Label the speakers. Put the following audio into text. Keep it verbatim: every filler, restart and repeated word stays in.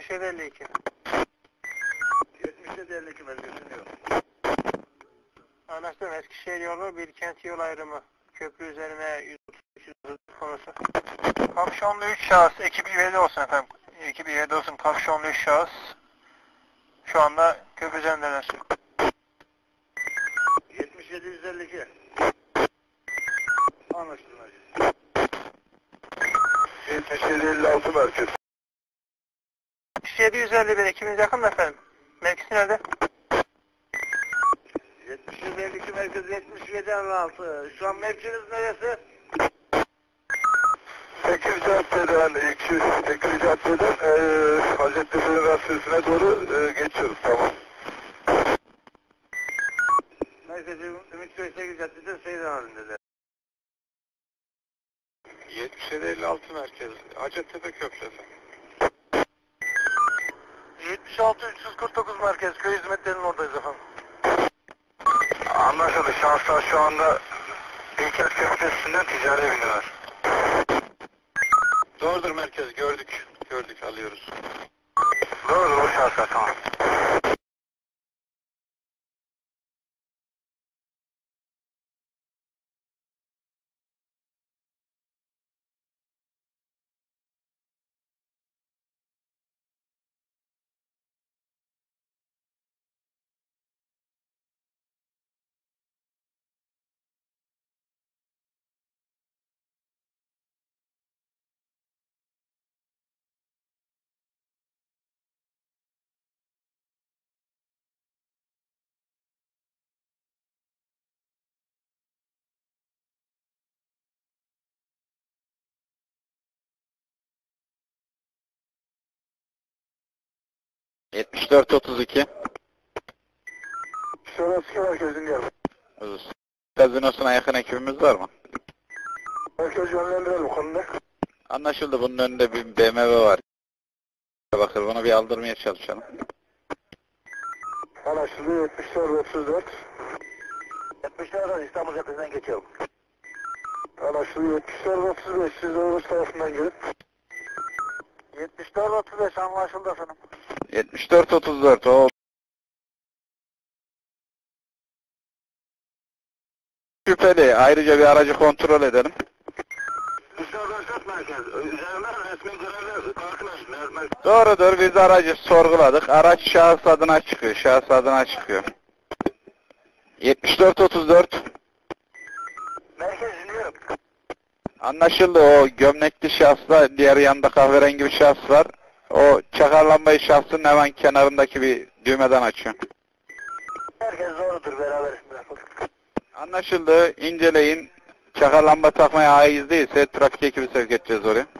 Speaker 1: yedi elli iki.
Speaker 2: yetmiş yedi elli iki merkez dinliyor.
Speaker 1: Anlaştım. Eskişehir yolu Bilkent yol ayrımı. Köprü üzerine yüz otuz üç konusu. Kapşonlu üç şahıs. Ekip üyede olsun efendim. Ekip üyede olsun. Kapşonlu üç şahıs. Şu anda köprü üzerindeler.
Speaker 2: yetmiş yedi yüz elli iki. Anlaşıldı merkez. yetmiş yedi elli altı merkez.
Speaker 1: yetmiş yedi yüz elli bir ekibiniz yakın mı efendim? Mevkisi nerede?
Speaker 2: yetmiş yedi elli iki merkez yetmiş yedi elli altı. Şu an mevkiniz neresi? Tekir Cadde'den, iki, Tekir Cadde'den ee, Hacettepe Üniversitesi'ne doğru ee, geçiyoruz, tamam. Merkezi Ümitköy Tekir Cadde'de seyir halindeler.
Speaker 3: yetmiş yedi elli altı merkez, Hacettepe Köprüsü.
Speaker 2: yetmiş altı üç yüz kırk dokuz merkez, köy hizmetlerinin oradayız efendim. Anlaşıldı, şahıslar şu anda Bilkent Köprüsü'nden ticari biniyorlar.
Speaker 3: Doğrudur merkez, gördük. Gördük, alıyoruz.
Speaker 2: Doğrudur, o şahıslar, tamam.
Speaker 3: yetmiş dört otuz iki.
Speaker 2: Şurası merkezin geldi.
Speaker 3: Gazinosuna yakın ekibimiz var mı?
Speaker 2: Merkez yönlendirelim bu konuda.
Speaker 3: Anlaşıldı, bunun önünde bir B M W var. Bakır, bunu bir aldırmaya çalışalım.
Speaker 2: Anlaşıldı, yetmiş dört otuz dört. yetmiş dört İstanbul Caddesi'nden geçiyorum. Anlaşıldı, yetmiş dört otuz beş siz Oğuz tarafından gelip. yetmiş dört otuz beş anlaşıldı efendim.
Speaker 3: yetmiş dört otuz dört, o şüpheli. Ayrıca bir aracı kontrol edelim.
Speaker 2: Dışarıdan çok merkez. Üzerine resmi görevler karşılaşın.
Speaker 3: Doğrudur, biz aracı sorguladık. Araç şahıs adına çıkıyor. Şahıs adına çıkıyor. yetmiş dört otuz dört.
Speaker 2: Merkez dinliyorum.
Speaker 3: Anlaşıldı, o gömlekli şahısla diğer yanında kahverengi bir şahıs var. O çakar lambayı şahsın hemen kenarındaki bir düğmeden açıyor.
Speaker 2: Herkes doğrudur, beraber
Speaker 3: Anlaşıldı, inceleyin. Çakar lamba takmaya haiz değilse trafik ekibi sevk edeceğiz oraya.